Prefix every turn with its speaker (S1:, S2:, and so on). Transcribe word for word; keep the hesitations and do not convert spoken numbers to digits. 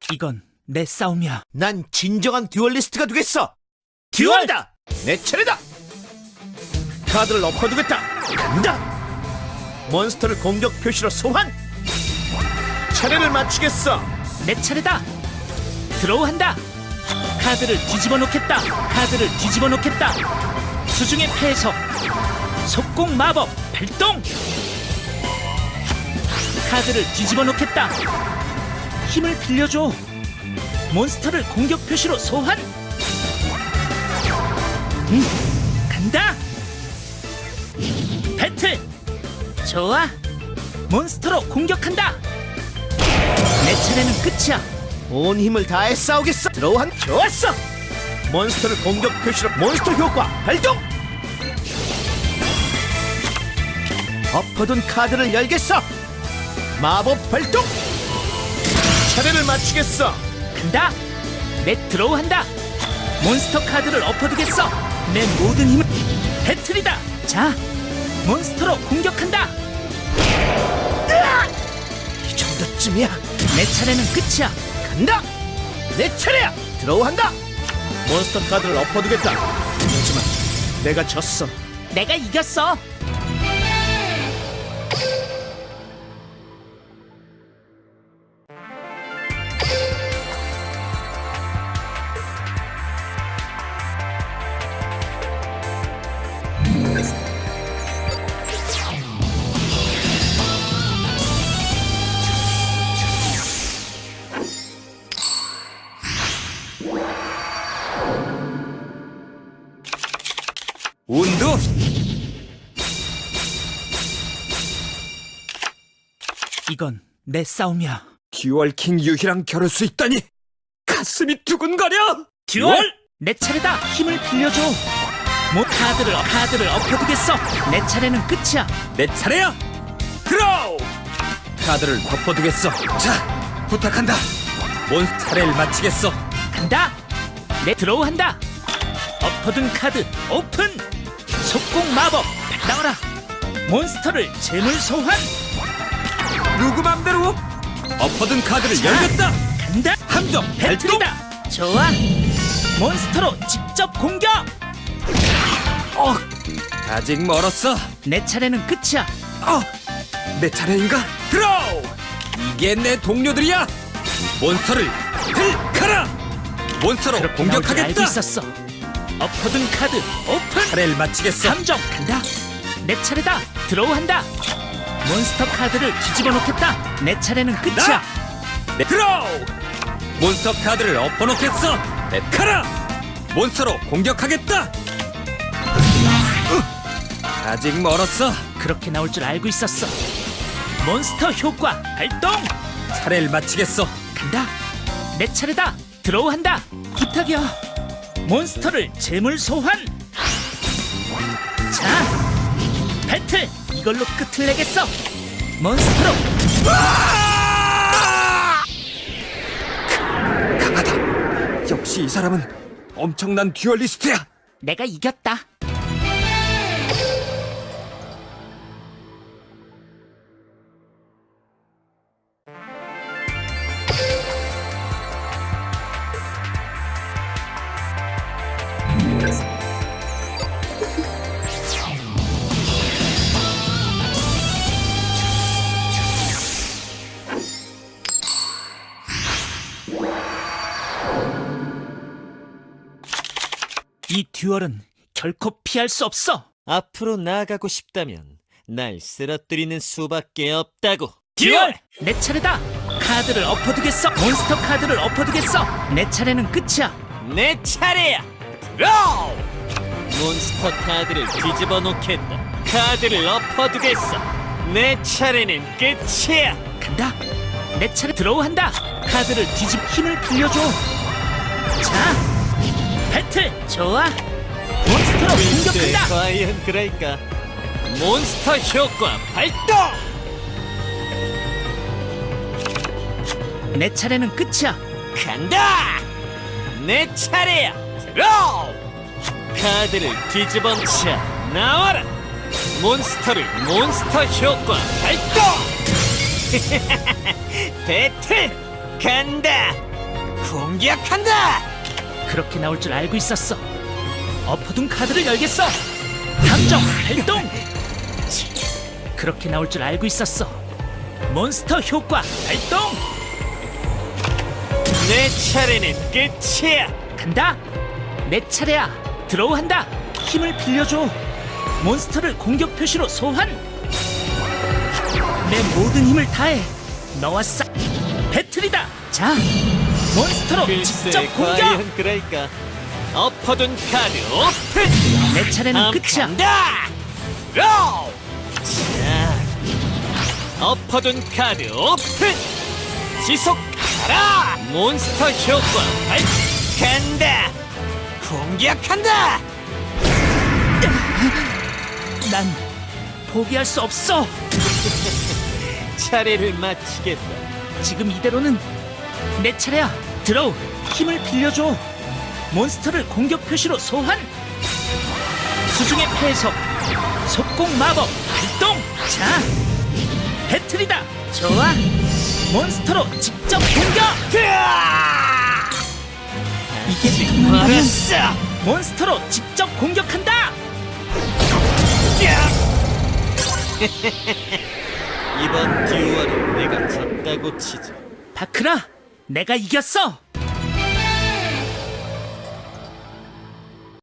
S1: 이건 내 싸움이야.
S2: 난 진정한 듀얼리스트가 되겠어.
S1: 듀얼!
S2: 듀얼이다. 내 차례다. 카드를 엎어두겠다. 간다. 몬스터를 공격 표시로 소환. 차례를 맞추겠어.
S1: 내 차례다. 드로우한다. 카드를 뒤집어 놓겠다. 카드를 뒤집어 놓겠다. 수중의 폐석. 속공 마법 발동. 카드를 뒤집어 놓겠다. 힘을 빌려줘. 몬스터를 공격 표시로 소환. 음, 간다. 배틀. 좋아. 몬스터로 공격한다. 내 차례는 끝이야.
S2: 온 힘을 다해 싸우겠어. 드로우한. 좋았어. 몬스터를 공격 표시로 몬스터 효과 발동. 엎어둔 카드를 열겠어. 마법 발동. 차례를 맞추겠어.
S1: 간다. 내 드로우한다. 몬스터 카드를 엎어두겠어. 내 모든 힘을. 배틀이다. 자, 몬스터로 공격한다.
S2: 이 정도쯤이야.
S1: 내 차례는 끝이야.
S2: 간다. 내 차례야. 드로우한다. 몬스터 카드를 엎어두겠다. 하지만 내가 졌어.
S1: 내가 이겼어.
S3: 운두
S1: 이건 내 싸움이야.
S3: 듀얼킹 유희랑 겨룰 수 있다니 가슴이 두근거려.
S1: 듀얼! 내 차례다. 힘을 빌려줘. 모 카드를 카드를 엎어두겠어. 내 차례는 끝이야.
S3: 내 차례야. 드로우. 카드를 덮어두겠어. 자, 부탁한다. 몬스터 차례를 마치겠어.
S1: 간다. 내 드로우한다. 엎어둔 카드 오픈. 속공 마법 나와라. 몬스터를 재물 소환.
S3: 누구 맘대로 엎어둔 카드를 열겠다.
S1: 간다.
S3: 함정 발동.
S1: 배틀이다. 좋아. 몬스터로 직접 공격.
S3: 어, 아직 멀었어.
S1: 내 차례는 끝이야.
S3: 어, 내 차례인가? 드로우. 이게 내 동료들이야. 몬스터를 들카라. 몬스터로
S1: 그렇게 나올 줄 알고
S3: 공격하겠다.
S1: 있었어. 엎어둔 카드 오픈.
S3: 차례를 마치겠어.
S1: 함정 간다. 내 차례다. 드로우한다. 몬스터 카드를 뒤집어 놓겠다. 내 차례는 끝이야.
S3: 내 드로우. 몬스터 카드를 엎어놓겠어. 내 카라. 몬스터로 공격하겠다. 으, 아직 멀었어.
S1: 그렇게 나올 줄 알고 있었어. 몬스터 효과 발동.
S3: 차례를 마치겠어.
S1: 간다. 내 차례다. 드로우한다. 부탁이야. 몬스터를 재물 소환. 자, 배틀. 이걸로 끝을 내겠어. 몬스터로.
S3: 강하다. 역시 이 사람은 엄청난 듀얼리스트야.
S1: 내가 이겼다. 이 듀얼은 결코 피할 수 없어.
S4: 앞으로 나아가고 싶다면 날 쓰러뜨리는 수밖에 없다고.
S1: 듀얼! 내 차례다. 카드를 엎어두겠어. 몬스터 카드를 엎어두겠어. 내 차례는 끝이야.
S4: 내 차례야. 드로우. 몬스터 카드를 뒤집어 놓겠다. 카드를 엎어두겠어. 내 차례는 끝이야.
S1: 간다. 내 차례. 드로우한다. 카드를 뒤집 힘을 빌려줘. 자, 배틀. 좋아. 몬스터로
S4: 글쎄,
S1: 공격한다.
S4: 과연 그럴까? 몬스터 효과 발동.
S1: 내 차례는 끝이야.
S4: 간다. 내 차례야. 드로우. 카드를 뒤집어 쳐 나와라. 몬스터를 몬스터 효과 발동. 배틀 간다. 공격한다!
S1: 그렇게 나올 줄 알고 있었어. 엎어둔 카드를 열겠어. 함정 발동. 그렇게 나올 줄 알고 있었어. 몬스터 효과 발동.
S4: 내 차례는 끝이야!
S1: 간다. 내 차례야. 드로우한다. 힘을 빌려줘. 몬스터를 공격 표시로 소환. 내 모든 힘을 다해. 너와 싸. 배틀이다. 자, 몬스터로 직접
S4: 글쎄,
S1: 공격.
S4: 과연 그럴까? 엎어둔 카드 오픈!
S1: 내 차례는 끝이야.
S4: 간다! 로! 자, 엎어둔 카드 오픈! 지속하라! 몬스터 효과 발 간다! 공격한다!
S1: 난 포기할 수 없어.
S4: 차례를 마치겠다.
S1: 지금 이대로는 내 차례야. 드로우. 힘을 빌려줘. 몬스터를 공격 표시로 소환. 수중의 폐석. 속공 마법 발동. 자, 배틀이다. 좋아. 몬스터로 직접 공격. 이게 통한다면
S4: 알았어!
S1: 몬스터로 직접 공격한다.
S4: 이번 듀얼은 내가 졌다고 치자.
S1: 바크라, 내가 이겼어.